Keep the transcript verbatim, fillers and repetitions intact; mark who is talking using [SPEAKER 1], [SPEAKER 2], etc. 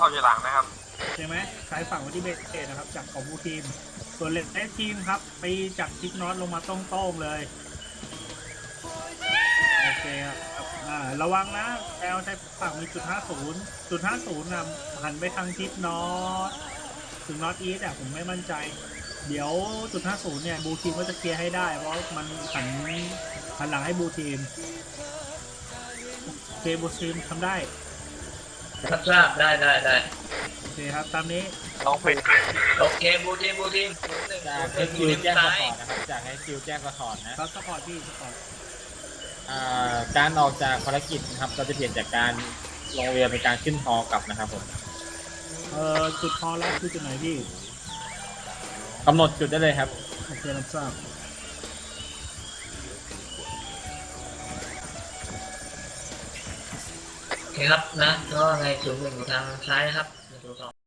[SPEAKER 1] อยู่หลังนะครับ
[SPEAKER 2] ใช่ไหมซ้ายฝั่งไว้ที่เบสนะครับจากของบูทีมส่วนเลสทีมครับไปจากทิกน็อตลงมาต้องๆเลยโอเคครับอ่าระวังนะแอลใช้ฝั่งมีจุดห้าศูนย์จุดห้าศูนย์นะหันไปทางทิศน็อตถึงน็อตอีสอ่ะผมไม่มั่นใจเดี๋ยวจุดห้าศูนย์เนี่ยบูทีมก็จะเคลียร์ให้ได้เพราะมันหันหันหลังให้บูทีมโอเคบูทีมทำได้
[SPEAKER 3] รับทราบได้ได้ได้
[SPEAKER 2] โอเคครับตามนี้
[SPEAKER 1] ต้องปิด
[SPEAKER 3] โอเคบูทีมบูทีม
[SPEAKER 4] จากให้คิวแจ้งสปอร์ตนะครับจากให้คิวแจ้งสปอร์ตนะครับ
[SPEAKER 2] สปอร์ตพี่สปอร์ต
[SPEAKER 4] การออกจากภารกิจนะครับเราจะเปลี่ยนจากการลงเรือเป็นการขึ้นฮอกลับนะครับผม
[SPEAKER 2] เอ่อจุดคอรับคือจุดไหนพี่
[SPEAKER 4] กำหนดจุดได้เลยครับ
[SPEAKER 2] โอเครับทราบ
[SPEAKER 3] โอเคครับนะก็ในศูนย์หนึ่งทางซ้ายนะครับ